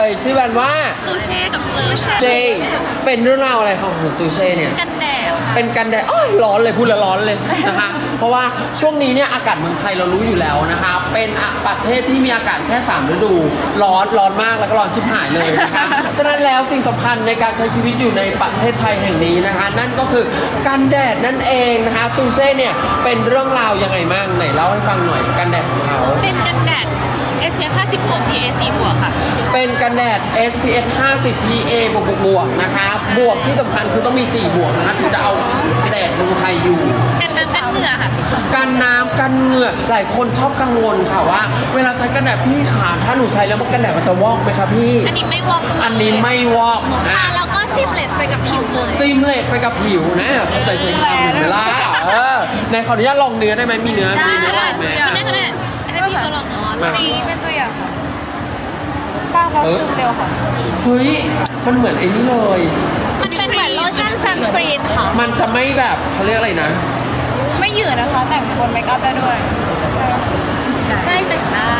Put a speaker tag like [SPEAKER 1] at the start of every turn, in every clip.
[SPEAKER 1] ชื่อแบรนด์ว่า
[SPEAKER 2] ตูเช่กับสเตอร์
[SPEAKER 1] เจเป็นเรื่องราวอะไรของตูเช่เนี่ย
[SPEAKER 2] กันแดด
[SPEAKER 1] เป็นกันแดดร้อนเลยพูดแล้วร้อนเลยนะคะเพราะว่าช่วงนี้เนี่ยอากาศเมืองไทยเรารู้อยู่แล้วนะคะเป็นประเทศที่มีอากาศแค่3ฤดูร้อนมากแล้วก็ร้อนชิบหายเลยนะคะฉะนั้นแล้วสิ่งสำคัญในการใช้ชีวิตอยู่ในประเทศไทยแห่งนี้นะคะนั่นก็คือกันแดดนั่นเองนะคะตูเช่เนี่ยเป็นเรื่องราวยังไงบ้างไหนเล่าให้ฟังหน่อยกันแดดของเขา
[SPEAKER 2] เป็นกันแดด SPF 50 บวก PA 4 บวกค่ะ
[SPEAKER 1] เป็นกันแดด SPF 50 PA บวกนะคะบวกที่สำคัญคือต้องมี4บวกนะคะถึงจะเอาแดดเมืองไทยอยู่
[SPEAKER 2] กันน้ำกันเหงื่อค่ะ
[SPEAKER 1] กันน้ำกันเหงื่อหลายคนชอบกังวลค่ะว่าเวลาใช้กันแดดพี่ขาถ้าหนูใช้แล้วมันกันแดดมันจะวอกไหมครับพี่
[SPEAKER 2] อันนี้ไม่วอก
[SPEAKER 1] อันนี้ไม่วอก
[SPEAKER 2] ค่ะแล้วก็ซิมเลสไปกับผิวเลย
[SPEAKER 1] ซิมเลสไปกับผิวนะเข้าใจใช้คำหนึ่งเวลาในขออนุญาตลองเนื้อได้ไหมมีเนื้อลองไหม
[SPEAKER 2] อันนี้พี่ก็ลอง
[SPEAKER 3] นี่เป็นตัวอย่างค่ะป้าเขาซึมเร็วค่ะ
[SPEAKER 1] เฮ้ยมันเหมือนไอ้นี่เลย
[SPEAKER 2] มันเป็นเหมือนโลชั่นซันสกรีนค่ะ
[SPEAKER 1] มันจะไม่แบบเขาเรียกอะไรนะ
[SPEAKER 3] ไม่หยืดนะคะแต่งบนเมคอัพได้ด้วย
[SPEAKER 2] ได้แต่งได้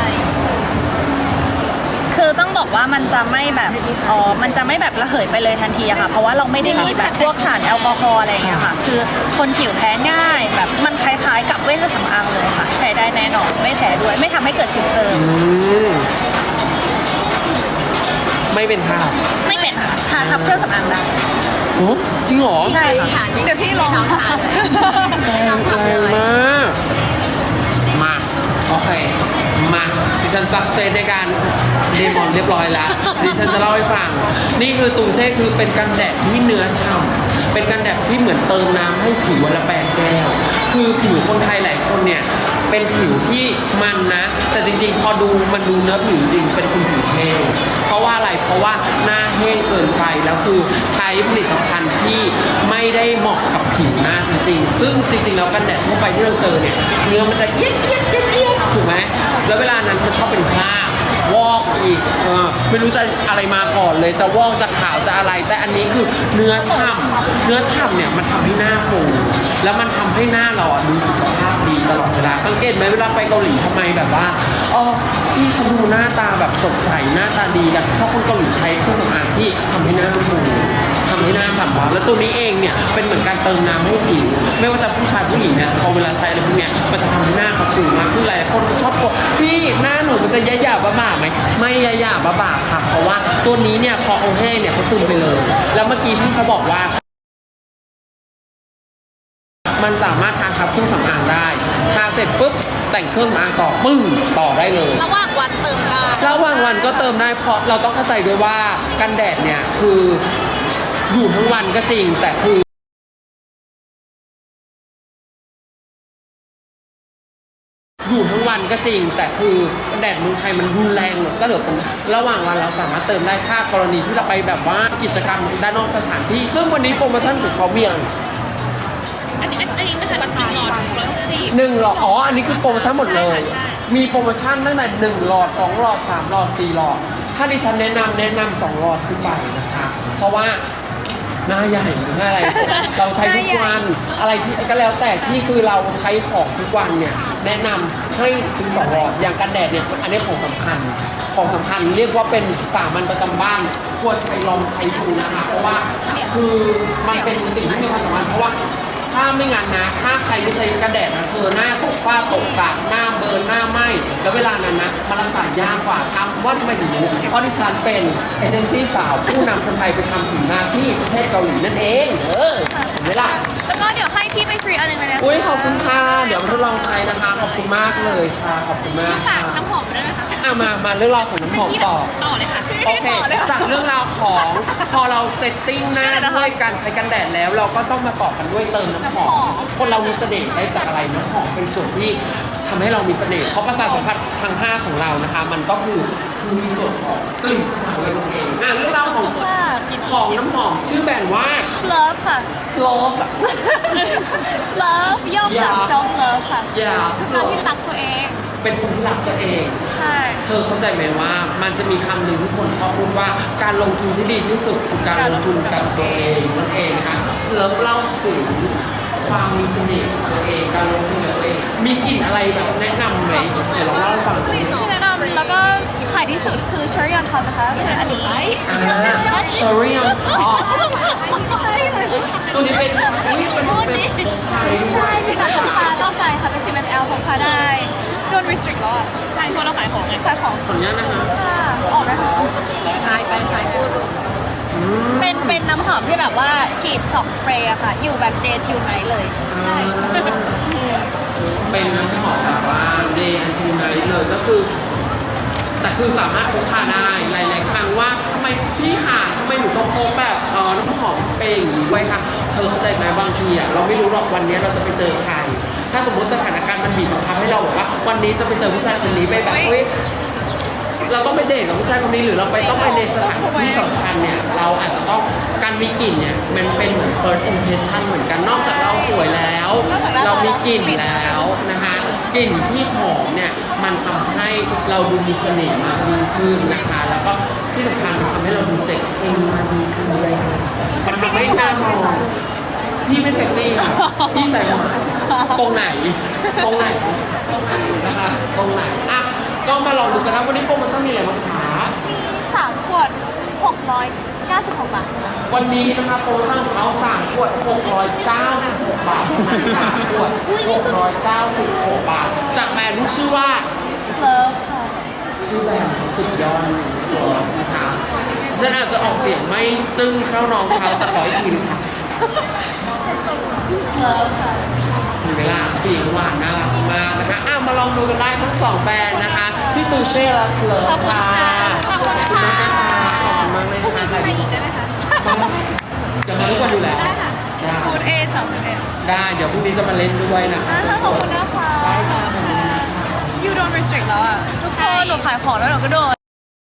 [SPEAKER 4] คือต้องบอกว่ามันจะไม่แบบมันจะไม่แบบระเหยไปเลยทันทีอะค่ะเพราะว่าเราไม่ได้มีแบบพวกสารแอลกอฮอล์อะไรอย่างเงี้ยค่ะคือคนผิวแพ้ง่ายแบบมันคล้ายๆกับเวชสำอางเลยค่ะใช้ได้แน่นอนไม่แพ้ด้วยไม่ทำให้เกิดสิวเพิ่ม
[SPEAKER 1] ไม่เป็นทา
[SPEAKER 4] ไม่เป็นค่ะทาทับเครื่องสำอางได้
[SPEAKER 1] โอ้จริงเหรอ
[SPEAKER 4] ใช่ค่ะ
[SPEAKER 3] เดี๋ยวพี่ลองทานเลย
[SPEAKER 1] แรงมากมาโอเคมาดิฉันซักเซสในการเดมอนเรียบร้อยแล้วดิฉันจะเล่าให้ฟังนี่คือตูเซ่คือเป็นกันแดดที่เนื้อฉ่ำเป็นกันแดดที่เหมือนเติมน้ำให้ผิววันละ8 แก้วคือผิวคนไทยหลายคนเนี่ยเป็นผิวที่มันนะแต่จริงๆพอดูมันดูเนื้อผิวจริงเป็นคนผิวแห้งเพราะว่าอะไรเพราะว่าหน้าแห้งเกินไปแล้วคือใช้ผลิตภัณฑ์ที่ไม่ได้เหมาะกับผิวหน้าจริงๆซึ่งจริงๆแล้วกันแดดทั่วไปที่เราเจอเนี่ยเนื้อมันจะเอี้ยดถูกไหมแล้วเวลานั้นมันชอบเป็นคราบวอกอีกไม่รู้จะอะไรมาก่อนเลยจะวอกจะขาวจะอะไรแต่อันนี้คือเนื้อฉ่ำเนี่ยมันทำให้หน้าฟูแล้วมันทำให้หน้าเราดูสุขภาพดีตลอดเวลาสังเกตไหมเวลาไปเกาหลีทำไมแบบว่าพี่เขาดูหน้าตาแบบสดใสหน้าตาดีกันเพราะคนเกาหลีใช้เครื่องสำอางที่ทำให้หน้าฟูทำให้หน้าฉ่ำวาวแล้วตัวนี้เองเนี่ยเป็นเหมือนการเติมน้ำให้ผิวไม่ว่าจะผู้ชายผู้หญิงเนี่ยพอเวลาใช้อะไรพวกเนี้ยมันจะทำให้หน้าเขาฟูมากขึ้นหลายคนชอบบอกพี่หน้าหนูมันจะยะหยาบ้าไหมไม่ยะหยาบ้าค่ะเพราะว่าตัวนี้เนี่ยพอเอาแห้งเนี่ยเขาซึมไปเลยแล้วเมื่อกี้พี่เขาบอกว่ามันสามารถทาทับเครื่องสำอางได้ทาเสร็จปุ๊บแต่งเครื่องสำอางต่อปึ้งต่อได้เลย
[SPEAKER 2] ระหว่างวันเติมได้
[SPEAKER 1] ระหว่างวันก็เติมได้เพราะเราต้องเข้าใจด้วยว่ากันแดดเนี่ยคืออยู่ทั้งวันก็จริงแต่คืออยู่ทั้งวันก็จริงแต่คือแดดเมืองไทยมันรุนแรงซะเหลือเกินระหว่างวันเราสามารถเติมได้ถ้ากรณีที่เราไปแบบว่ากิจกรรมด้านนอกสถานที่ซึ่งวันนี้โปรโมชั่นของเขาเมียง
[SPEAKER 2] อันนี้นะคะ1 หลอด
[SPEAKER 1] อันนี้คือโปรโมชั่นหมดเลยมีโปรโมชั่นตั้งแต่1 หลอด2 หลอด3 หลอด4 หลอดถ้าดิฉันแนะนำ2 หลอดขึ้นไปนะคะเพราะว่าหน้าใหญ่หรืออะไรเราใช้ทุกวันอะไรที่ก็แล้วแต่ที่คือเราใช้ของทุกวันเนี่ยแนะนำให้ซื้อ2 หลอดอย่างกันแดดเนี่ยอันนี้ของสำคัญเรียกว่าเป็นสามัญประจำบ้านควรไปลองใช้ดูนะคะเพราะว่าคือมันเป็นสิ่งที่มีความสำคัญเพราะว่าถ้าไม่งั้นนะถ้าใครไม่ใช้กันแดดนะหน้าตกฝ้าตกกระหน้าเบิร์นหน้าไหม้แล้วเวลานั้นนะมันรักษายากกว่าทำว่าทำไมถึงรู้เพราะดิฉันเป็นเอเจนซี่สาวผู้นำคนไทยไปทำถึงหน้าที่ประเทศเกาหลีนั่นเองเห็นไหมล่ะ
[SPEAKER 2] แล้วก็เดี๋ยวให้พี่ไปฟรีอันนึงเลยนะ
[SPEAKER 1] อุ้ยขอบคุณค่ะเดี๋ยวมาทดลองใช้นะคะขอบคุณมากเลยค่ะขอบคุณมาก
[SPEAKER 2] ฝากน้ำหอมด้วยนะคะ
[SPEAKER 1] มาเรื่องราวของน้ำหอมต่อ
[SPEAKER 2] เลยค่ะ
[SPEAKER 1] โอเคจากเรื่องราวของพอเราเซตติ้งหน้าด้วยการใช้กันแดดแล้วเราก็ต้องมาต่อกันด้วยเติมน้ำหอมคนเรามีเสน่ห์ได้จากอะไรน้ำหอมเป็นส่วนที่ทำให้เรามีเสน่ห์เพราะประสาทสัมผัสทาง5ของเรานะคะมันก็คือมีส่วนของกลิ่นของเราเองเรื่องราวของน้ำหอมชื่อแบรนด์ว่า
[SPEAKER 2] Slurp ค่ะ
[SPEAKER 1] Slurp
[SPEAKER 2] Slurp ย่อมาจาก self love ค่ะ
[SPEAKER 1] ทำ
[SPEAKER 2] ที่ตักตัวเอง
[SPEAKER 1] เป็นคนที่รักตัวเอง
[SPEAKER 4] ใช่
[SPEAKER 1] เธอเข้าใจไหมว่ามันจะมีคำหนึ่งที่คนชอบพูดว่าการลงทุนที่ดีที่สุดคือการลงทุนกับตัวเองนั่นเองนะคะเลิฟเล่าถึงความมีเสน่ห์ของตัวเองการลงทุนกับตัวเองมีกลิ่นอะไรแบบแนะนำไหมเดี๋ยวเราเล่าให้ฟังสิ
[SPEAKER 4] แนะนำแล้วก็ขายที่สุดคือเชอรี่ออนท็อปนะคะคืออันนี้
[SPEAKER 1] เชอรี่ออนท็อปตัวนี้เป็นนี่เป็นของใครด้วย
[SPEAKER 4] ใช่ค่ะพกพาต้องใจค่ะเป็น CML พกพาได้โดน restrict แล้วอ่ะ
[SPEAKER 2] ใช่เพราะเราขายของไง
[SPEAKER 4] ขายของ
[SPEAKER 1] ขออนุญาตนะคะ
[SPEAKER 4] ค่ะออกนะคะ
[SPEAKER 2] ขายไปขายพูด
[SPEAKER 4] เป็นน้ำหอมที่แบบว่าฉีด2สเปรย์อะค่ะ อยู่แบบ day till night เลย ใช่
[SPEAKER 1] เป็นน้ำหอมแบบว่าเดย์อันซีไนท์เลยก็คือ แต่คือสามารถพกพาได้หลายๆครั้งว่าทำไมพี่ขาทำไมหนูต้องพกแบบน้ำหอมสเปรย์อย่างนี้ไว้ค่ะเธอเข้าใจไหมบางทีอ่ะเราไม่รู้หรอกวันนี้เราจะไปเจอใคร ถ้าสมมติสถานการณ์มันบีบบังคับให้เราบอกว่าวันนี้จะไปเจอผู้ชายคนนี้ไปแบบเฮ้ยเราต้องไปเดทกับผู้ชายคนนี้หรือเราต้องไปในสถานที่สำคัญเนี่ยเราอาจจะต้องการมีกลิ่นเนี่ยมันเป็นเหมือน first impression เหมือนกันนอกจากเราสวยแล้ว เรามีกลิ่นแล้วนะคะกลิ่นที่หอมเนี่ยมันทำให้เราดูมีเสน่ห์มากยิ่งขึ้นนะคะ แล้วก็ที่สำคัญมันทำให้เราดูเซ็กซี่มากยิ่งขึ้นด้วยมันทำให้หน้ามองพี่ไม่เซ็กซี่ค่ะพี่ใส่หวานตรงไหนตรงไหนนะคะตรงไหนอ่ะก็มาลองดูกันนะวันนี้โปรโมชั่นมีอะไรบ้างคะ
[SPEAKER 4] มี3ขวด696 บาทค่ะ
[SPEAKER 1] วันนี้นะคะโปรโมชั่นของเขา3ขวด696 บาท3ขวด696 บาท จากแบรนด์ที่ชื่อว่า
[SPEAKER 4] Slurp ค่ะ
[SPEAKER 1] ชื่อแบรนด์สุดยอดสวยนะคะฉันอาจจะออกเสียงไม่จึ้งเท่าน้องเขาแต่ขออีกทีค่ะ
[SPEAKER 4] Slurp ค่ะ
[SPEAKER 1] มีเวลาเสียงหวานน่ารักมากนะคะมาลองดูกันได้ทั้ง2แบรนด์นะคะที่ตูเช่และสเลอร์ค่ะ
[SPEAKER 4] ขอบคุณค่ะ
[SPEAKER 1] ขอบคุณมากเลยค่ะขอบคุณมากเลยค่ะ
[SPEAKER 2] ไปอีกได้ไหมคะ
[SPEAKER 1] เดี๋ยวมาทุกวันอยู่แล้วได้
[SPEAKER 2] พูด A 31
[SPEAKER 1] ได้เดี๋ยวพรุ่งนี้จะมาเล่นด้วยนะคะ
[SPEAKER 4] ขอบคุณนะคะ
[SPEAKER 2] You don't restrict แล้วอ่ะ
[SPEAKER 4] ทุกคนหนูขายของแล้วหนูก็โดน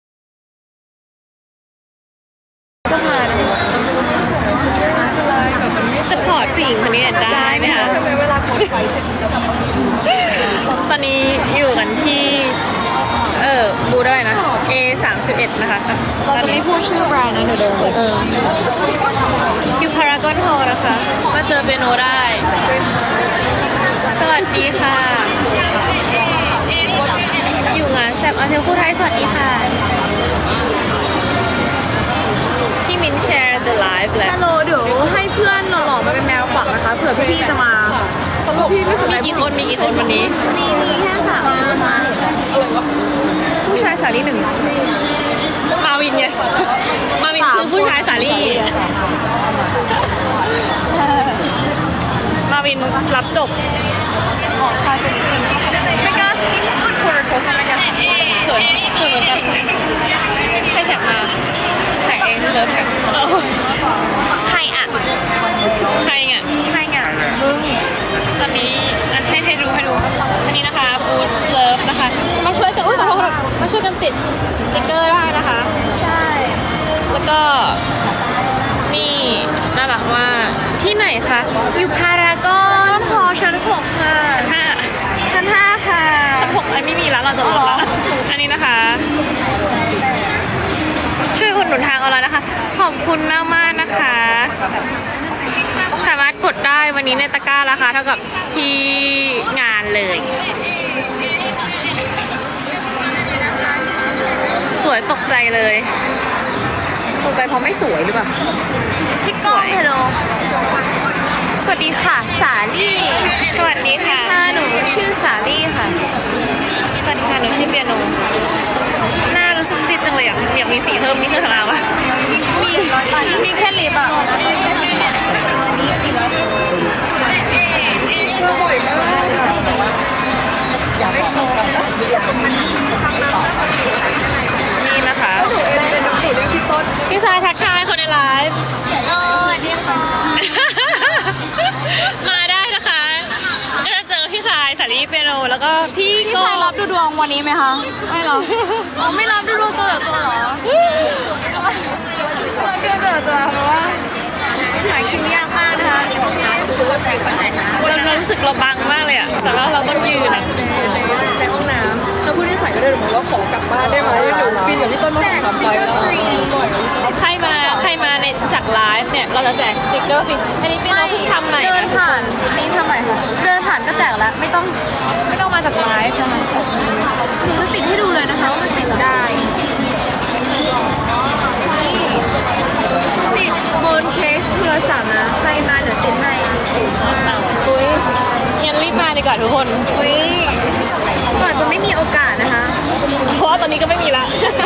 [SPEAKER 2] สปอร์ตผู้หญิงคนนี้ได้ไหมคะตอนนี้อยู่กันที่บูธอะไรนะ A 31นะคะ
[SPEAKER 4] เราจะไม่พูดชื่อแบรนด์นะหนูเดินเลย
[SPEAKER 2] อยู่พารากอนฮอลนะคะ มาเจอเปียโนได้ สวัสดีค่ะ อยู่งานแซมอาเทลคู่ไทยสวัสดีค่ะ พี่มินแชร์ The Live แล้ว
[SPEAKER 3] ฮัลโหลเดี๋ยวให้เพื่อนหล่อๆมาเป็นแมวขวัญนะคะเผื่อพี่ๆจะมาพี่ไม่สนใจ
[SPEAKER 2] มีกี่คนวันนี้
[SPEAKER 3] มีแค่3คนนะผู้ชายสาลี1
[SPEAKER 2] มาวินไง มาวินคือผู้ชายสาลี่มาวินรับจบ
[SPEAKER 3] ไม่กล้าพูดคุยโพสต์ไม่กล้า
[SPEAKER 2] เขินเหมือนกันใครแท็กมาแท็กเองเลิฟแท็ก
[SPEAKER 4] ใครอ่ะ
[SPEAKER 2] ใครไง
[SPEAKER 4] ใครอ่ะ
[SPEAKER 2] ตอนนี้ให้ดูอันนี้นะคะบูธเลิฟนะคะ มาช่วยกันขอโทษมาช่วยกันติดสติกเกอร์ได้นะคะ
[SPEAKER 4] ใช่
[SPEAKER 2] แล้วก็นี่น่ารักมากที่ไหนคะอยู่พารากอนฮอชั้น6ค่ะชั้น5ค่ะชั้น6ไม่มีแล้วเราจะลดแล้วอันนี้นะคะ ช่วยอุดหนุนทางออนไลน์นะคะ ขอบคุณมากๆนะคะ สามารถกดได้วันนี้ในตะกร้าราคาเท่ากับที่งานเลย สวยตกใจเลย
[SPEAKER 3] ตกใจเพราะไม่สวยหรือเปล่า
[SPEAKER 4] พี่ก้องฮัลโหลสวัสดีค่ะ สาลี่
[SPEAKER 2] สวัสดีค่ะ
[SPEAKER 4] หนูชื่อสาลี่ค่ะ
[SPEAKER 2] สวัสดีค่ะหนูชื่อเปียโนหน้ารู้สึกซีดจังเลยอยากมีสีเพิ่มนี่คืออะไรวะ
[SPEAKER 4] มีแค่ลิปอ่ะ
[SPEAKER 2] นี่นะคะพี่ชายทักทายคนในไลฟ์
[SPEAKER 4] สวัสดีค่ะ
[SPEAKER 2] มาได้นะคะก็จะเจอพี่ชายสาลีเปียโนแล้วก็พี่
[SPEAKER 4] พี่
[SPEAKER 2] โก้
[SPEAKER 4] ชายรับดูดวงวันนี้ไหมคะ ไม่หรออ๋อไม่รับดูดวงตัวต่อตัวเหรอรับดูตัวต่อตัวเพราะว่าหาคิวยากมากนะคะ
[SPEAKER 2] เรารู้สึกเราบังมากเลยอะแต่ว่าเราต้องยืนอะ
[SPEAKER 3] ในห้องน้พูดนิสัยก็ได้หรือว่าขอกลับบ้านได้ไหมหนูบินกับพี่ต้นมาสองสามไปแล้ว
[SPEAKER 2] ใครมาในจากไลฟ์เนี่ยเราจะแจกสติ๊กเกอร์ฟรีอันนี้เป็นเราเพิ่งทำใหม่
[SPEAKER 3] เดิน
[SPEAKER 2] นะ
[SPEAKER 3] ผ่านนี่ทำไมคะเดินผ่านก็แจกแล้วไม่ต้องมาจากไลฟ์นะคะหนูจะติดให้ดูเลยนะคะว่ามันติดได้ติดบนเคสโทรศัพท์นะใครมาเดี๋ยวติดให้
[SPEAKER 2] อุ้ยงั้นรีบมาดีกว่าทุกคน
[SPEAKER 3] อุ้ยก่อนจะไม่มีโอกาสนะคะ
[SPEAKER 2] เพราะว่าตอนนี้ก็ไม่มีละ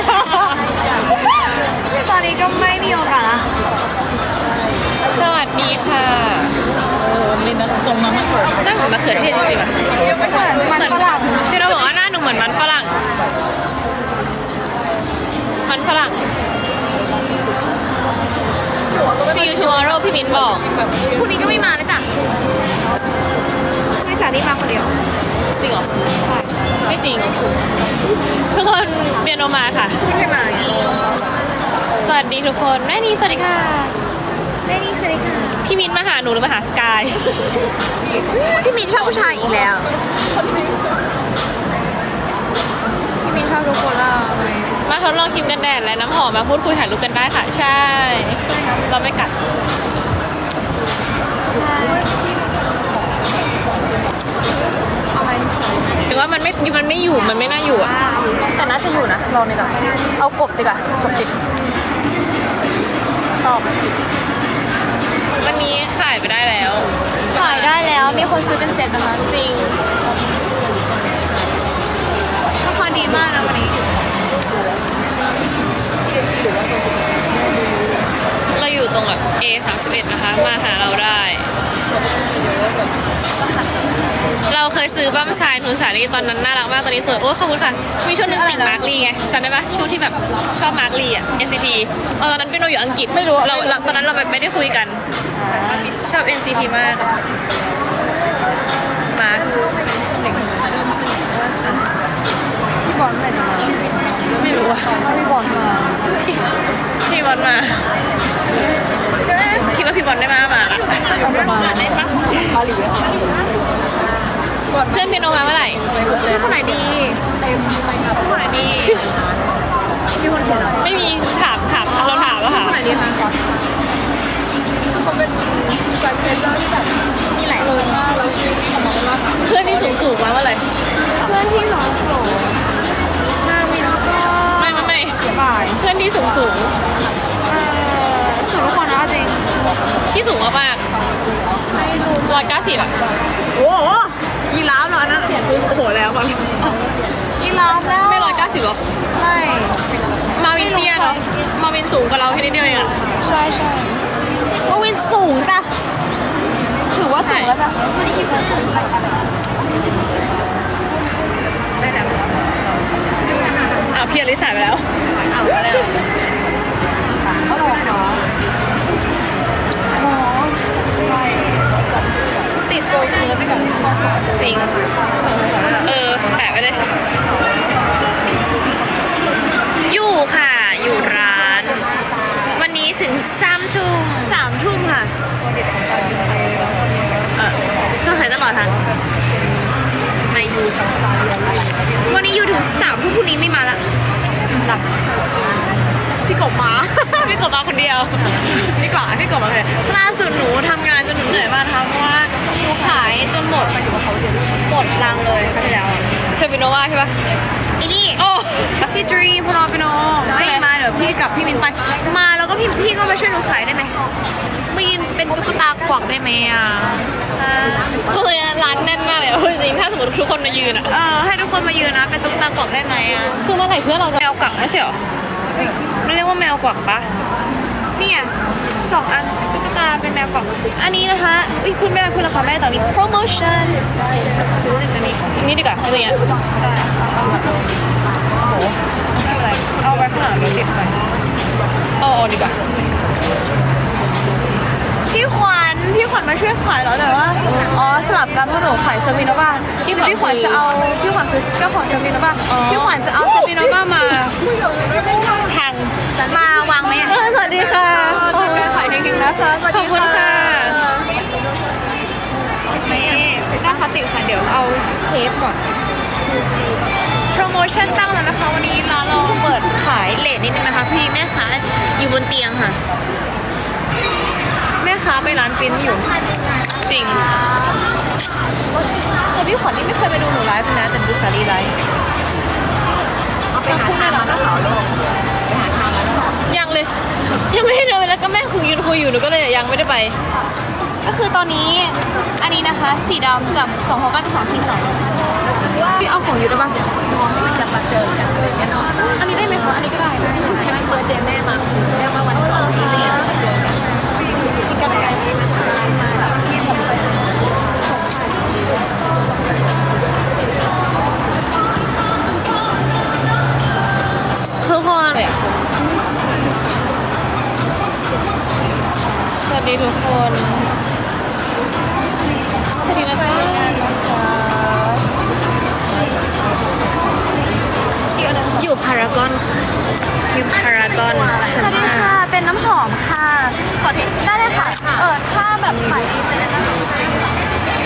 [SPEAKER 3] ตอนนี้ก็ไม่มีโอกาสละ
[SPEAKER 2] สวัสดีค่ะลินนะตรงมามากกว่าหน้าเหมือนมะเขือเทศจริงๆอ่ะ
[SPEAKER 3] มันฝรั่ง
[SPEAKER 2] ที่เราบอกว่าหน้าหนูเหมือนมันฝรั่ง มันฝรั่ง See you tomorrow พี่มิ้นบอก
[SPEAKER 3] พรุ่งนี้ก็ไม่มานะจ๊ะไม่สานี่มาคนเดียว
[SPEAKER 2] จริงเหรอ ไม่จริง ทุกคนเปียโนมาค่ะ
[SPEAKER 3] ไม่มา
[SPEAKER 2] สวัสดีทุกคนแม่นีสวัสดีค่ะ
[SPEAKER 3] ได้นี่สวัสดีค่ะ
[SPEAKER 2] พี่มิ้นมาหาหนูหรือมาหาสกาย
[SPEAKER 3] พี่มินชอบผู้ชายอีกแล้วพี่มินชอบทุกคนแล้ว
[SPEAKER 2] มาทดลองครีมกันแดดและน้ำหอมมาพูดคุยถ่ายรูปกันได้ค่ะ ใช่ เราไม่กัด ถึงว่ามันไม่อยู่มันไม่น่าอยู่อ่ะ
[SPEAKER 3] แต่น่าจะอยู่นะลองดีกว่าเอากบดีกว่ากบจิบชอบ
[SPEAKER 2] วันนี้ขายไปได้แล้ว
[SPEAKER 3] ขายได้แล้วมีคนซื้อเป็นเซ็ตนะคะ
[SPEAKER 2] จริง
[SPEAKER 3] ราคาดีมากนะวันนี้
[SPEAKER 2] เราอยู่ตรงแบบ A31 นะคะ มาหาเราได้ เราเคยซื้อบั้มทรายทุนสาลีตอนนั้นน่ารักมากตอนนี้สวยโอ้ขอบคุณค่ะ มีช่วงนึงติดมาร์คลีไงจำได้ปะช่วงที่แบบชอบมาร์คลีอ่ะ NCT ตอนนั้นเป็นโนอยู่อังกฤษไม่รู้เราตอนนั้นเราแบบไม่ได้คุยกัน ชอบ NCT มากมาร์ค
[SPEAKER 3] พี่บอลไหนจะมา
[SPEAKER 2] ไม่รู้อะ
[SPEAKER 3] พี่บอลมา
[SPEAKER 2] พี่บอลมาคิดว่าพี่บอลได้มาละ
[SPEAKER 3] มาได้ปะมาหลี
[SPEAKER 2] เพื่อนเปียโนมาเมื่อไหร่
[SPEAKER 3] พี่คนไหนดีคนไหนดีพี่คนเขียนเหรอ
[SPEAKER 2] ไม่มีถามเราถามแล้วค่ะ
[SPEAKER 3] คนไหนดีคะเขาเป็นสายเพลย์ที่แบบมีหลายคนมากแล้ว
[SPEAKER 2] เพื่อนที่สูงมาเมื่อไหร่
[SPEAKER 3] เพื่อนที่สองโสนาวินก็
[SPEAKER 2] ไม่
[SPEAKER 3] บ่าย
[SPEAKER 2] เพื่อนที่สูง
[SPEAKER 3] สุดทุกคนนะจริง
[SPEAKER 2] ที่สูงมาก
[SPEAKER 3] ไม่รู้
[SPEAKER 2] 190อ่ะ
[SPEAKER 3] โอ้โหยีราฟเหรอนั่นเขียนพื้นโอ้โหแล้วก่อนยีราฟแล้ว
[SPEAKER 2] ไม่190หรอ
[SPEAKER 3] ไม่
[SPEAKER 2] มาวินเตี้ยเนาะมาวินสูงกว่าเราแค่นิดเดียวเองอ่ะ
[SPEAKER 3] ใช่ว่าวินสูงจ้ะถือว่าสูงแล้วจ้ะ
[SPEAKER 2] อ้าวพี่อลิสายไปแล้ว
[SPEAKER 3] อ้าวอะไรเขาหลอกเหรอติดโปรเชื้อไปก่อน
[SPEAKER 2] จริงแปะไปเลย อยู่ค่ะ อยู่ร้าน วันนี้ถึง3 ทุ่ม
[SPEAKER 3] 3 ทุ่มค่ะ
[SPEAKER 2] ช่วงไหนตลอดค่ะในยู
[SPEAKER 3] วันนี้อยู่ถึง3 ทุ่มพรุ่งนี้ไม่มาละหลับพี่กบมา
[SPEAKER 2] พี่กบมาคนเดียวพี่กบมาคนเดียว
[SPEAKER 3] ล่าสุดหนูทำงานจนหนูเหนื่อยมากนะคะเพราะว่าหนูขายจนหมดรังเลยค่ะที่แล้ว
[SPEAKER 2] เซฟิโนวาใช่ปะ
[SPEAKER 3] อีนี่
[SPEAKER 2] โอ้
[SPEAKER 3] พี่ดรีมพนอปิโนไม่มาเดี๋ยวพี่กับพี่มินไปมาแล้วก็พี่ก็มาช่วยหนูขายได้ไหมมายืนเป็นตุ๊กตากวักได้ไหมอ่ะ
[SPEAKER 2] ก็คือร้านแน่นมากเลยอะจริงๆถ้าสมมติทุกคนมายืนอ่ะ
[SPEAKER 3] ให้ทุกคนมายืนนะเป็นตุ๊กตากวักได้ไหมอ่ะ
[SPEAKER 2] คือเมื่อไหร่เพื่อนเราจะแมวกวักไม่ใช่เหรอมันเรียกว่าแมวกวักปะ
[SPEAKER 3] เนี่ย2 อันตุ๊กตาเป็นแมวกวักอันนี้นะคะอุ้ยพูดไม่ได้พูดราคาไม่ได้แต่มีโปรโมชั่นดูหนึ่งตัวนี้
[SPEAKER 2] นี่ดีกว่าอะไรเงี้ย
[SPEAKER 3] เอาไว้ข้างหลังเดี๋ยวติดไป
[SPEAKER 2] เอาดีกว่า
[SPEAKER 3] พี่ขวัญมาช่วยขายเหรอแต่ว่าสลับกันเพราะหนูขายซาบิโนบ้าพี่ขวัญจะเอาพี่ขวัญคือเจ้าของซาบิโนบ้าพี่ขวัญจะเอาซาบิโนบ้ามาแทงมาวางไหมอ่ะ
[SPEAKER 2] สวัสดีค่ะ
[SPEAKER 3] ขายจริงๆนะคะสวัส
[SPEAKER 2] ขอ
[SPEAKER 3] ดี
[SPEAKER 2] บคุณค่ะ
[SPEAKER 3] นี่หน้าพลาสติกค่ะเดี๋ยวเอาเทปก่อนเธ
[SPEAKER 2] รโมชั่นตั้งแล้วนะคะ วันนี้ร้านเราเปิดขายเลทนิดนึงนะคะพี่แม่ค้าอยู่บนเตียงค่ะ แม่ค้าไปร้านปริ้นอยู่จริง
[SPEAKER 3] แต่พี่ขวัญนี่ไม่เคยไปดูหนูไลฟ์นะแต่ดูสาลีไลฟ์
[SPEAKER 4] เอาไปหาทานมาแล้วเหรอลูกไปหาทานมาแล้วเหรอ
[SPEAKER 2] ยังเลย ยังไม่ได้เดินไปแล้วก็แม่คุยยืนคุยอยู่หนูก็เลยยังไม่ได้ไป
[SPEAKER 3] ก็คือตอนนี้อันนี้นะคะสีดำจับ2 6 9 2 4 2พี่เอาของอยู่ได้ปะ
[SPEAKER 4] จะมาเจอกันอะไรเงี้ยเนาะ
[SPEAKER 3] อันนี้ได้ไหมคะอันนี้ก็ได้นะ
[SPEAKER 4] ใช่ไหมเบิร์ดเดย์แม่มาแม่มาวันก่อนที่เนี่ยมาเจอกันกินกันอะไรนี้นะคะมาแบบที่ผมไป
[SPEAKER 2] ทุกคนสวัสดีทุกคนสวัสดีนะจ๊ะอยู่พารากอนค่ะอยู่พารากอนชั้น
[SPEAKER 3] สวัสดี
[SPEAKER 2] ห้า
[SPEAKER 3] ค่ะเป็นน้ำหอมค่ะขอทิปได้เลยค่ะถ้าแบบขายดีเป็นน้ำหอม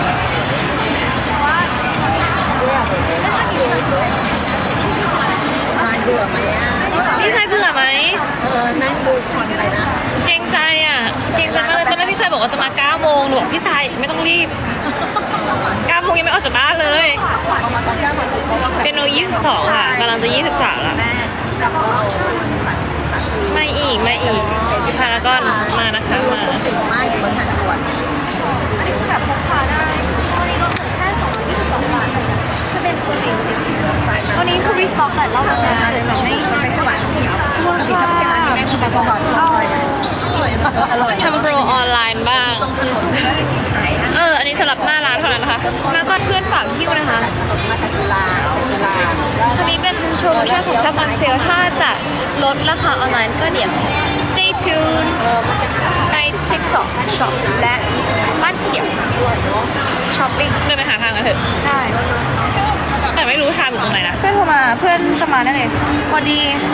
[SPEAKER 4] นายเบื่อไหมอ่ะ
[SPEAKER 2] พี่ชายเบื่อไหม
[SPEAKER 4] นั่งดูคอนอะไรนะ
[SPEAKER 2] เกรงใจอ่ะเกรงใจมากเลยตอนแรกพี่ชายบอกว่าจะมา9 โมงหนูบอกพี่ชายไม่ต้องรีบ9 โมงยังไม่ออกจากบ้านเลย
[SPEAKER 4] เอามาตอน9 โมงเพราะว่า
[SPEAKER 2] เป็นโน22ค่ะกำลังจะ23แล้ว
[SPEAKER 4] แม่กับเรา
[SPEAKER 2] ไม่อีกพารากอนมานะคะมา
[SPEAKER 4] ต้องติดมากอยู่บนทางด่วน
[SPEAKER 3] อันนี้คือแบบพกพาได้ตัวนี้ลดเหลือแค่222 บาทถ้าเป็นตัวนี้ตัวนี้คือรีสต็อกหลายรอบแล้วนะเลยแบบไม่หวานเดียวค่ะแม่คุณแต่ก่อนอร่อย
[SPEAKER 2] ทำโปรออนไลน์บ้าง อันนี้สำหรับหน้าร้านเท่านั้นนะคะหน้าตอนเพื่อนฝากหิ้วนะคะ
[SPEAKER 4] มาจากจุฬา
[SPEAKER 2] อันนี้เป็นโปรโมชั่นของซับมันเซลถ้าจะลดราคาออนไลน์ก็เดี๋ยว stay tuned ใน TikTok Shop และบ้านเขียว Shopping เดินไปหาทางกันเถอะ
[SPEAKER 3] ได้
[SPEAKER 2] แต่ไม่รู้ทางอยู่ตรงไหนนะ
[SPEAKER 3] เพื่อนโทรมาเพื่อนจะมาแน่เลยสวัสดี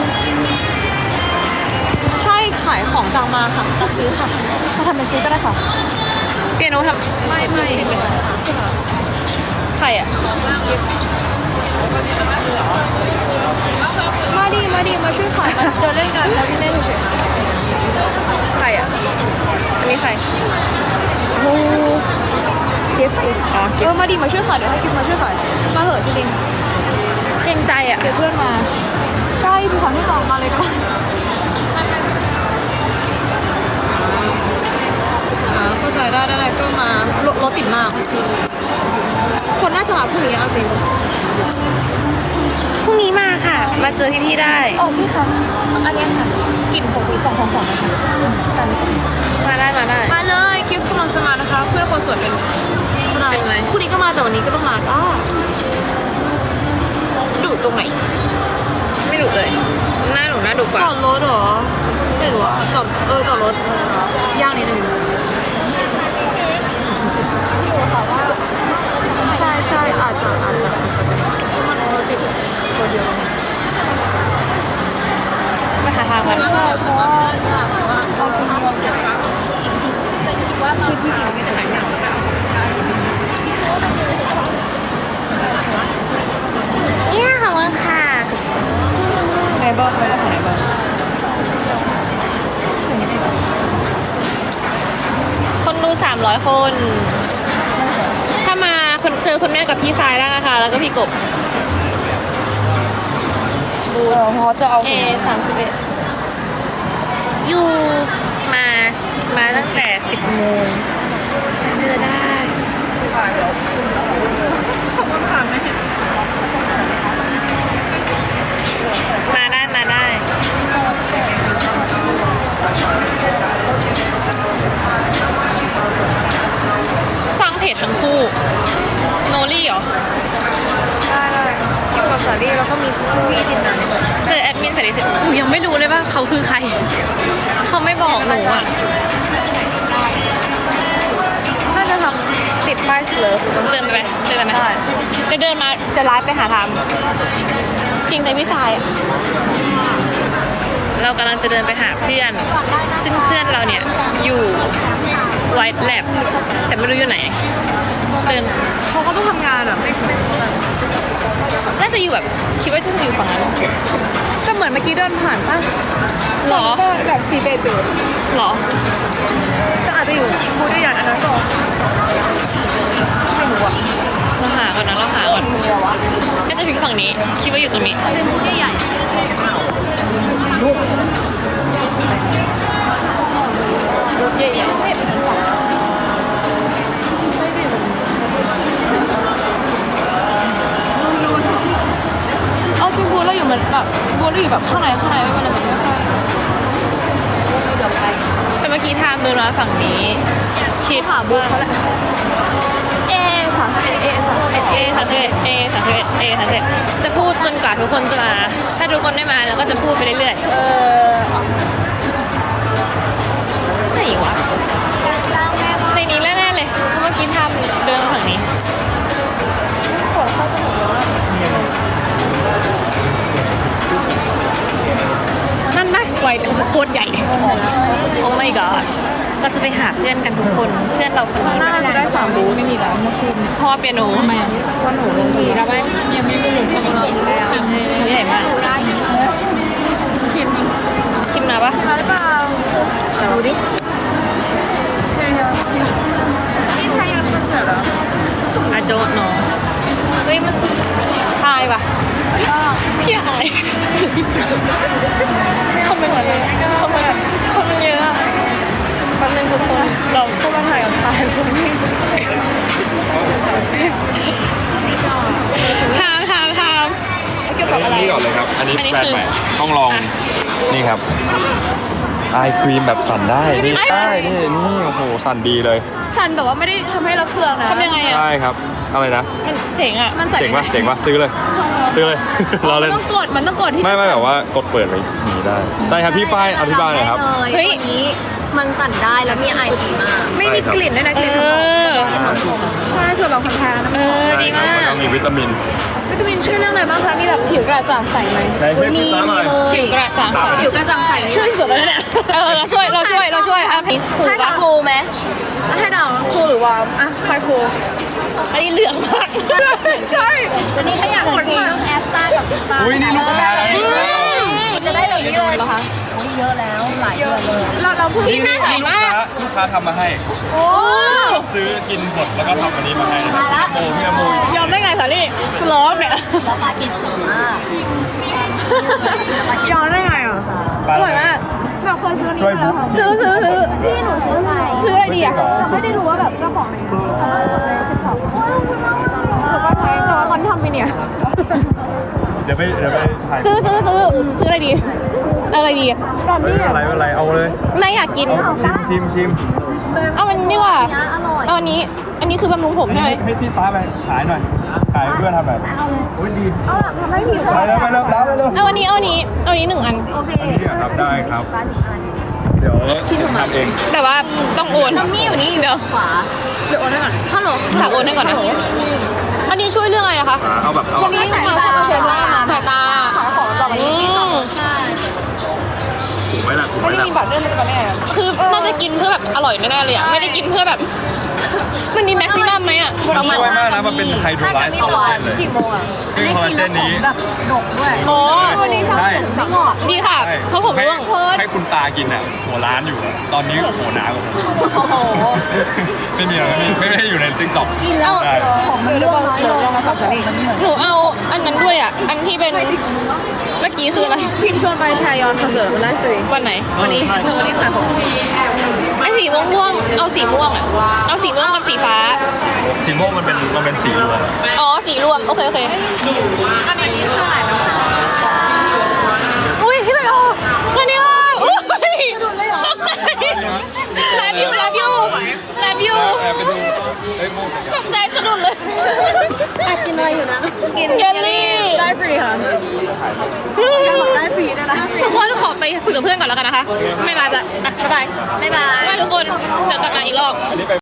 [SPEAKER 3] ใช่ขายของกลางมาค่ะจะซื้อค่ะมาทำเป็นซื้อก็ได้ค่ะ
[SPEAKER 2] เปียโนทำไม่ใครอ่ะ
[SPEAKER 3] มาดีมาช่วยขายมาเดินเล่นกันแล้วที่เล่นเฉย
[SPEAKER 2] ใครอ่ะอันนี้ใคร
[SPEAKER 3] ๆงูเก็บ
[SPEAKER 2] อ๋อ
[SPEAKER 3] มาดีมาช่วยขายเดี๋ยวให้กิฟมาช่วยขายมาเหอะจริง
[SPEAKER 2] เกรงใจอ่ะ
[SPEAKER 3] ๆเดี๋ยวเพื่อนมาใช่พี่ขวัญให้ต่อมาเลยก็ได้เข้าใจได้ก็มารถติดมาก คนน่าจะมาพรุ่งนี้เอาจริง
[SPEAKER 2] พรุ่งนี้มาค่ะ มาเจอพี่ๆได้
[SPEAKER 3] โอ้พี่คะอันนี้ค่ะกลิ่นผมปี222นะคะจัน
[SPEAKER 2] มาได้
[SPEAKER 3] มาเลยกิฟต์กำลังจะมานะคะ เพื่อนคนสวยเป็นอะไรพรุ่งนี้ก็มาแต่วันนี้ก็ต้องมาจ้าดูตรงไหน
[SPEAKER 2] ไม่ดุเลย หน้าหนูน่าดุกว่า
[SPEAKER 3] จอดรถเหรอไม่รู้อะจอดรถยากนิดนึงใช่อาจจะเป็นมันรถติดตัวเดียว
[SPEAKER 2] ไปหาทางกัน
[SPEAKER 3] ใช่เพราะว่าเอาจริงๆเราจะคิดว่าตอนที่ผิวมีแต่หนังอย่าง
[SPEAKER 2] เนี่ยขอบคุณค่ะ
[SPEAKER 3] ไหนบ้างไหนบ้าง
[SPEAKER 2] คนดู300 คน ถ้ามาเจอคุณแม่กับพี่ชายได้นะคะ แล้วก็พี่กบ
[SPEAKER 3] เพราะจะเอา
[SPEAKER 2] 31อยู่มาตั้งแต่10 โมงเจอได้ มาได้ สร้างเพจทั้งคู่ โนลี่เหรอ
[SPEAKER 3] ได้อยู่กับสาลี่แล้วก็มีพี่ทีมงาน
[SPEAKER 2] เจอแอดมินสารีสิหนูยังไม่รู้เลยว่าเขาคือใคร เขาไม่บอกหนูอ่ะ
[SPEAKER 3] น่าจะทำติดป้ายเสลอ
[SPEAKER 2] เดินไปไหมจะเดินมา
[SPEAKER 3] จะไลฟ์ไปหาท
[SPEAKER 2] จริงใจพี่ชายอะเรากำลังจะเดินไปหาเพื่อน ซึ่งเพื่อนเราเนี่ยอยู่ White Lab แต่ไม่รู้อยู่ไหนเดิน
[SPEAKER 3] เขาก็ต้องทำงานอ่ะไม่
[SPEAKER 2] น่าจะอยู่แบบคิดว่าจะอยู่ฝั่งนั้น
[SPEAKER 3] ก็เหมือนเมื่อกี้เดินผ่านป่ะ
[SPEAKER 2] หรอ
[SPEAKER 3] ก็แบบซีเบเบ
[SPEAKER 2] หรอ
[SPEAKER 3] ก็อาจจะอยู่บูธใหญ่อันนั้นก่อนไม่รู้อ่ะ
[SPEAKER 2] เราหาก่อนนะเราหาก่อนน่าจะถึงฝั่งนี้ คิดว่าอยู่ตรงนี้
[SPEAKER 3] บูธใหญ่รถใหญ่ๆเอาจริงบูธเราอยู่เหมือนแบบบูธเราอยู่แบบข้างในไม่เป็นไรมันไม่ค่อยเดี๋ยวไป
[SPEAKER 2] แต่เมื่อกี้ทางเดินมาฝั่งนี้ คิด
[SPEAKER 3] หาบูธเขาแหละA31
[SPEAKER 2] A31 จะพูดจนกว่าทุกคนจะมา ถ้าทุกคนได้มาเราก็จะพูดไปเรื่อยๆไหนวะในนี้แน่ๆเลยเพราะเมื่อกี้ทำเดินมาฝั่งนี้ นั่นไหมไวโคตรใหญ่ โอ้ my god เราจะไปหาเพื่อนกันทุกคน เพื่อนเราคนนี้
[SPEAKER 3] น่าจะได้3บูธไม่มีแล้วเมื่อคืน
[SPEAKER 2] เพราะว่าเปียโนทำไมอ่ะ
[SPEAKER 3] วันหนูลงทีแล้วยังไม่หลุดเลยแล้ว
[SPEAKER 2] ใหญ่มากคิมมาปะ
[SPEAKER 3] มาหรือเปล่าดูดิเฮ้ยนี่ไทยยังคอนเสิร์ตเหรอ
[SPEAKER 2] อาโจดเนาะเฮ้ยมันทายปะ
[SPEAKER 3] ก็
[SPEAKER 2] พี่อายเขาเป็นอะไรเขาเป็นคนมันเยอะอะแป๊บนึงทุกคนเรา
[SPEAKER 3] ก็มาถ่ายกับไทยคุณพี่
[SPEAKER 2] ถาม
[SPEAKER 3] เกี่ยวกับอะไร
[SPEAKER 5] นี่ก่อนเลยครับ อันนี้
[SPEAKER 2] อันนี้
[SPEAKER 5] แบรน
[SPEAKER 2] คือ
[SPEAKER 5] ด์ใหม่ต้องลอง
[SPEAKER 2] อ่ะ
[SPEAKER 5] นี่ครับไอครีมแบบสั่นได้ นี่ได้นี่โอ้โห สั่นดีเลย
[SPEAKER 3] สันแบบว่าไม่ได้ทำให้เราเครืองนะ
[SPEAKER 2] ทำยังไงอ่ะ
[SPEAKER 5] ได้ครับ อะไรนะ
[SPEAKER 2] มันเจ๋งอ่ะ
[SPEAKER 3] มันใส่
[SPEAKER 5] เจ๋งปะเจ๋งปะซื้อเลย ซื้อเลย รอ
[SPEAKER 3] มั
[SPEAKER 5] เล่
[SPEAKER 3] น
[SPEAKER 5] น
[SPEAKER 3] ต้องกดที่
[SPEAKER 5] ไม่แบบว่ากดเปิดไว้อย่างนี้ได้ ใช่ครับพี่ป้ายอธิบายหน่อยครับ
[SPEAKER 2] เฮ้ย
[SPEAKER 6] ตัวนี้มันสั่นได้แล้วมีไอดีมาก
[SPEAKER 3] ไม่มีกลิ่นด้วยนะก
[SPEAKER 2] เอ
[SPEAKER 3] ลิ่นหอม
[SPEAKER 2] อ
[SPEAKER 3] ใช่เผื่อแบบคนแพ้นะ
[SPEAKER 2] เออ ดีมาก
[SPEAKER 5] แล้วก็มีวิตามิน
[SPEAKER 3] วิตามินช่วยเรื่องอะไรบ้างคะมีแบบผิวกระจ่างใสไหม
[SPEAKER 5] ไหนให้พี่ตาหน่อย
[SPEAKER 2] ผิวกระจ่างใส
[SPEAKER 6] ผิวกระจ่างใสนี่
[SPEAKER 3] ช่วยสุดแล้วเนี่ย
[SPEAKER 2] เราช่วยอ่ะถูก
[SPEAKER 6] ให้
[SPEAKER 2] ปะ
[SPEAKER 6] ฟูไหม
[SPEAKER 3] ให้เดาคูลหรือวอร์มอ่ะใครคูล
[SPEAKER 2] อันนี้เหลืองมาก
[SPEAKER 3] ใช่
[SPEAKER 6] วันนี้ถ้าอยากจริงต้องแอสตากับสตาร์
[SPEAKER 5] อุ้ยนี่ลูกค้าแล้วนี่
[SPEAKER 6] จะได้แบบนี้เลยเหรอคะเยอะแล้วหลายเดือนเลย
[SPEAKER 3] เราเพิ่ง
[SPEAKER 2] นี่น่าใสมาก
[SPEAKER 5] ลูกค้าทำมาให้
[SPEAKER 3] โอ้
[SPEAKER 5] ซื้อกินหมดแล้วก็ทำอันนี้มาให้โมพี่อโม
[SPEAKER 3] ยอมได้ไงสาลี่สโลปเนี่ย
[SPEAKER 6] แล้วปลากินสดมาก
[SPEAKER 3] ยอมได้ไงอ่ะ
[SPEAKER 2] อร่อยมาก
[SPEAKER 3] แบบเคยซื้อ
[SPEAKER 5] ช่วยบุ๊ก
[SPEAKER 2] ซื้อ
[SPEAKER 3] พี่หนูซื้อไป
[SPEAKER 2] ซื้ออะไรดีอ่ะ
[SPEAKER 3] แต่ไม่ได้รู้ว่าแบบเจ้าของไหนแต่ว่าตอนทำไปเนี่ย
[SPEAKER 5] เดี๋ยวไปถ่าย
[SPEAKER 2] ซื้ออะไรดี อะไรดี
[SPEAKER 3] ก่อน
[SPEAKER 5] ไม่
[SPEAKER 3] ที่
[SPEAKER 5] เป็นไรเอาเลย
[SPEAKER 2] ไม่อยากกิน
[SPEAKER 5] เอาชิม
[SPEAKER 2] เอามันนี่ว่า
[SPEAKER 6] อร่อย
[SPEAKER 2] เอาอันนี้คือบำรุงผมใช่ไหม
[SPEAKER 5] ให้พี่ป้าไปขายหน่อยขายเพื่อนทำแบบโอ้ยดี
[SPEAKER 3] ทำให้ผิว
[SPEAKER 5] ไปแล้วแล้ว
[SPEAKER 2] เอาอันนี้หนึ่งอัน
[SPEAKER 6] โอเค
[SPEAKER 5] อันนี้ครับได้ครับ เดี๋ยวทำเอง
[SPEAKER 2] แต่ว่าต้องโอน
[SPEAKER 6] นี่อยู่นี่อยู่
[SPEAKER 2] เดี๋ยว
[SPEAKER 6] ขวา
[SPEAKER 3] เดี๋ยวโอนให้ก่อนฮัลโหล
[SPEAKER 2] ฝากโอนให้ก่อนนะ อันนี้ช่วยเรื่องอะไรนะคะ
[SPEAKER 5] เอาแบบเอา
[SPEAKER 3] นี่สายตา
[SPEAKER 2] สายตา
[SPEAKER 3] ขายของต่อไปนี้
[SPEAKER 6] ใช่
[SPEAKER 5] ถูกไหมล่ะถูกไหม
[SPEAKER 3] ไม่ได้
[SPEAKER 5] ล่ะ
[SPEAKER 3] มีบัตรเล่นเลยก่อนเนี่ย
[SPEAKER 2] คือน่าจะกินเพื่อแบบอร่อยแน่ๆเลยอ่ะ ไม่ได้กินเพื่อแบบ มันมีแม็กซิมัมไหมอ่ะ
[SPEAKER 5] มันช่วยมากนะมันเป็นไฮโดรไลซ์คอลลาเจนเลย
[SPEAKER 3] กี่โมงอ่ะ
[SPEAKER 5] ซึ่งคอลลาเจนนี้
[SPEAKER 3] แบบดกด้วย
[SPEAKER 2] โอ้
[SPEAKER 3] วันนี้ชอบ
[SPEAKER 5] ใช่
[SPEAKER 3] สังหอด
[SPEAKER 2] ดีค่ะ เพราะผมร่วง
[SPEAKER 5] ให้คุณตากินอ่ะหัวร้านอยู่อะตอนนี้หัวหนากว่าผม
[SPEAKER 3] โอ้โห
[SPEAKER 5] ไม่มีอะไรไม่ได้อยู่ในติ๊กต็อก
[SPEAKER 2] เอา
[SPEAKER 5] ได้
[SPEAKER 3] ผมไม่รู้ว่าลองมาสับสนอีก
[SPEAKER 2] หนูเอาอันนั้นด้วยอ่ะ อันที่เป็น เมื่อกี้คืออะไร
[SPEAKER 3] พิมชวนไปไทยอนคอนเสิร์ตมันได้ฟรี
[SPEAKER 2] วันไหน
[SPEAKER 3] วันนี้ขายของ
[SPEAKER 2] ไอ้สีม่วงๆเอาสีม่วงอ่ะ เอาสีม่วงกับสีฟ้า
[SPEAKER 5] สีม่วงมันเป็นสีรวม
[SPEAKER 2] อ๋อ สีรวม โอเคอุ้ยพี่ไปโอวันนี้อุ้ยตกใจแลบยู
[SPEAKER 5] แอบไปดูเฮ้ยโมง
[SPEAKER 2] ตกใจสะดุดเลย
[SPEAKER 6] กินอะไรอยู่นะ
[SPEAKER 2] กินเจลลี่
[SPEAKER 3] ได้ฟรีค่ะ ได้ฟรีด้วยนะ
[SPEAKER 2] ทุกคนขอไปคุยกับเพื่อนก่อนแล้วกันนะคะ ไม่ลาจะบ๊ายบาย
[SPEAKER 6] บ๊ายบาย
[SPEAKER 2] บ๊ายบายทุกคน เดี๋ยวกลับมาอีกรอบ
[SPEAKER 5] อันนี้ไป